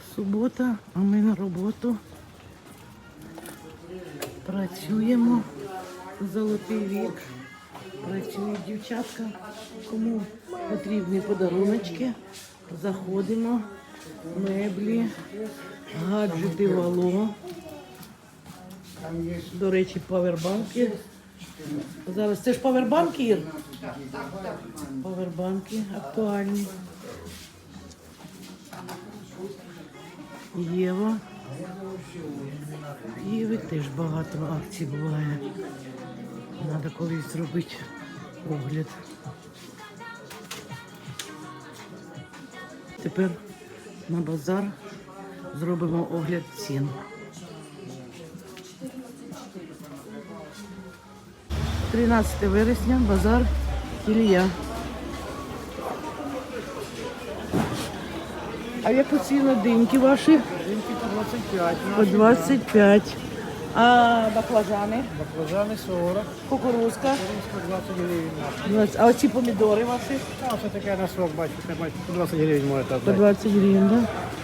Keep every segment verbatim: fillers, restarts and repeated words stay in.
Субота, а ми на роботу. Працюємо. Золотий вік. Працюють дівчатка. Кому потрібні подаруночки. Заходимо. Меблі, гаджети Вало. До речі, павербанки. Зараз це ж павербанки, Ір? Павербанки актуальні. Єва. Єви теж багато акцій буває. Треба колись зробити огляд. Тепер на базар зробимо огляд цін. тринадцяте вересня, базар Ілля. А яку ціну диньки ваші? Диньки по двадцять п'ять. По двадцять п'ять. А баклажани? Баклажани сорок. Кукурузка? Кукурузка двадцять гривень. двадцять. А оці помідори ваші? А це таке на срок, бачите, бачите, по двадцять гривень можете По отдати. двадцять гривень, так? Да?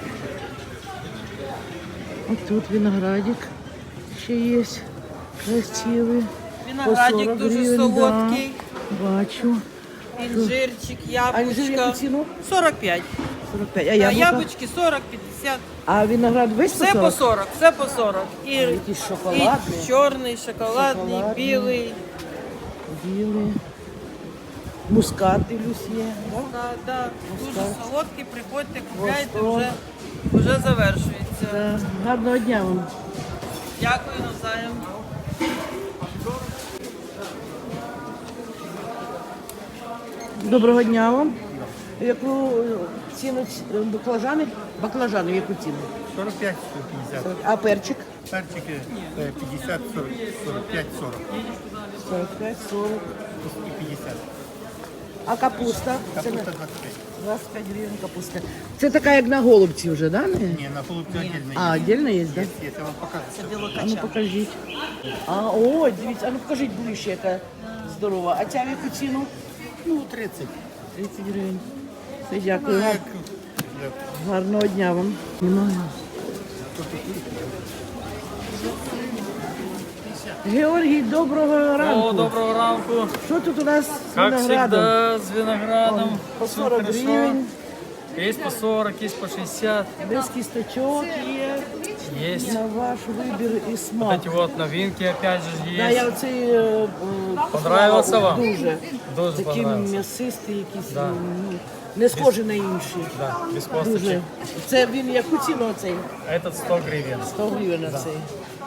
Ось тут виноградик ще є. Красивий. Виноградик дуже гривень, солодкий, да. Бачу. інжирчик, А інжир яку яблучка. ціну? сорок п'ять. сорок п'ять. А А яблука? яблучки сорок п'ятдесят. А виноград весь по Все по сорок? сорок, все по сорок. І, Якийсь і шоколадний. чорний, шоколадний, Шоколадний. білий. Білий. Мускат, дивлюсь, є. Да? Да, да. Дуже Мускат. солодкий, приходьте, купляйте, Восток. вже, вже завершується. Да. Гарного дня вам. Дякую навзаєм. Доброго дня вам. Яку е, ціну ц- е, баклажани? Баклажани, в яку ціну? сорок п'ять п'ятдесят. А перчик? Перчики е, п'ятдесят, сорок, сорок п'ять, сорок. сорок п'ять, сорок. І п'ятдесят. А капуста? Це Капуста на- двадцять п'ять. двадцять п'ять гривень капуста. Це така, як на голубці вже, да? Не? Ні, на голубці отдельно. А, отдельно є, да? Є, є, я вам покажу. А ну покажіть. А, о, дивіться, а ну покажіть ближче, яка здорова. А ця в яку ціну? Ну, тридцять. тридцять гривень. Все, дякую. Гар- Гарного дня вам. Немає. Георгій, доброго ранку. О, доброго ранку. Що тут у нас з Как виноградом? всегда, с виноградом. По Всё сорок хорошо. гривень, Есть по сорок, есть по шестьдесят. без кісточок є. Есть. На ваш вибір і Вот смак. эти вот новинки опять же Да, есть. я оцей е, е, Понравился вам? Дуже. Дуже Такий понравился. м'ясистий якийсь, Да. ну, не схожий на інші. Да, без Дуже. косточек. Це він яку ціну оцей? Этот сто гривен. сто гривень оцей.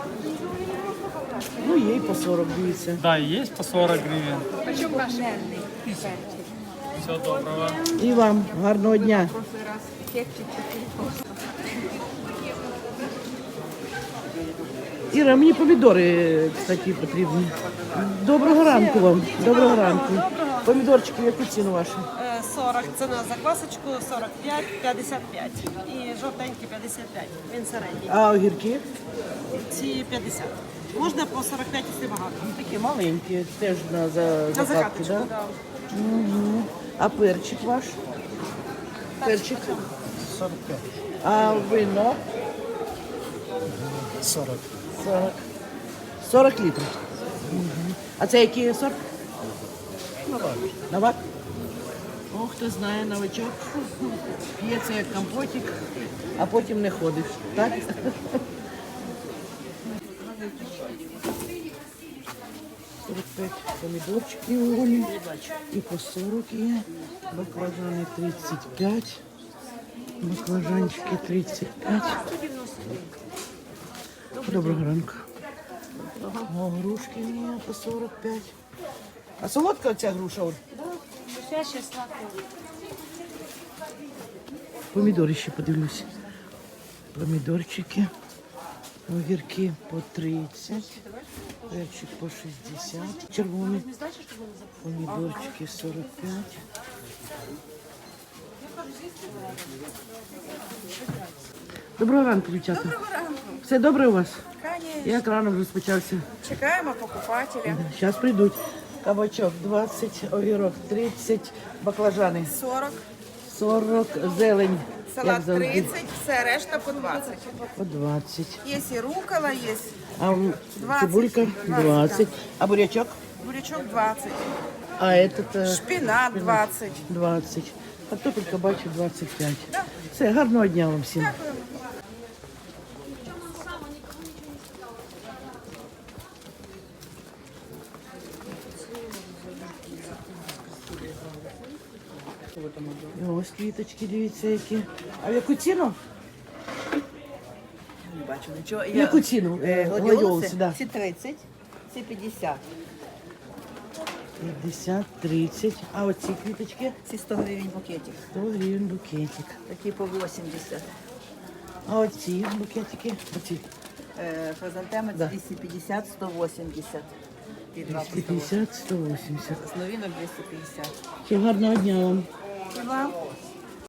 Ну, є і по сорок, дивіться. Да, и есть по сорок гривен. Все доброго. І вам гарного дня. Іра, мені помідори, кстати, потрібні. Доброго ранку вам. Доброго ранку. Помідорчики, яку ціну вашу? Е, сорок, це на заквасочку, сорок п'ять, п'ятдесят п'ять. І жовтенький п'ятдесят п'ять. Він середній. А огірки? Ці п'ятдесят. Можна по сорок п'ять, якщо багато. Такі маленькі, теж на за, На закатки, закаточку, да? да. Угу. А перчик ваш? Перчик. сорок п'ять. А вино? сорок. сорок. сорок літрів. Угу. А це який сорт? Новак. Новак? О, хто знає, новачок. П'ється як компотик, а потім не ходиш. Так? сорок п'ять помідорчиків у Олі. І по сорок є. Баклажани тридцять п'ять. Баклажанчики тридцять п'ять. Доброго ранку. О, грушки є по сорок п'ять. А солодка оця груша, Оль? Помідори ще подивлюсь. Помідорчики. Огірки по тридцять. Перчик по шістдесят. Червоний. Помідорчики сорок п'ять. Доброго ранку, дівчата. Доброго ранку. Все добре у вас? Конечно. Як ранок розпочався? Чекаємо покупателя. Зараз прийдуть. Кабачок двадцять, огірок тридцять, баклажани сорок. сорок, зелень. як Салат завжди, тридцять, все решта по двадцять. по двадцять. Є і рукола, є А м, двадцять, цибулька двадцять, двадцать. А бурячок? бурячок двадцять, А этот е, шпинат двадцять. двадцять. Картопелька бачу двадцять п'ять. Все, гарного дня вам всім. І ось квіточки, дивіться, які. А в яку ціну? Не бачу нічого. В яку ціну? Е, Е, гладіолуси? гладіолуси, да. Ці тридцять, ці п'ятдесят. п'ятдесят, тридцять. А оці квіточки? Ці сто гривень букетик. сто гривень букетик. Такі по вісімдесят. А оці букетики? Оці Е, Хризантеми Да. двісті п'ятдесят, сто вісімдесят. І два по двісті п'ятдесят, сто вісімдесят. З новинок двісті п'ятдесят. Всім гарного дня вам. І вам?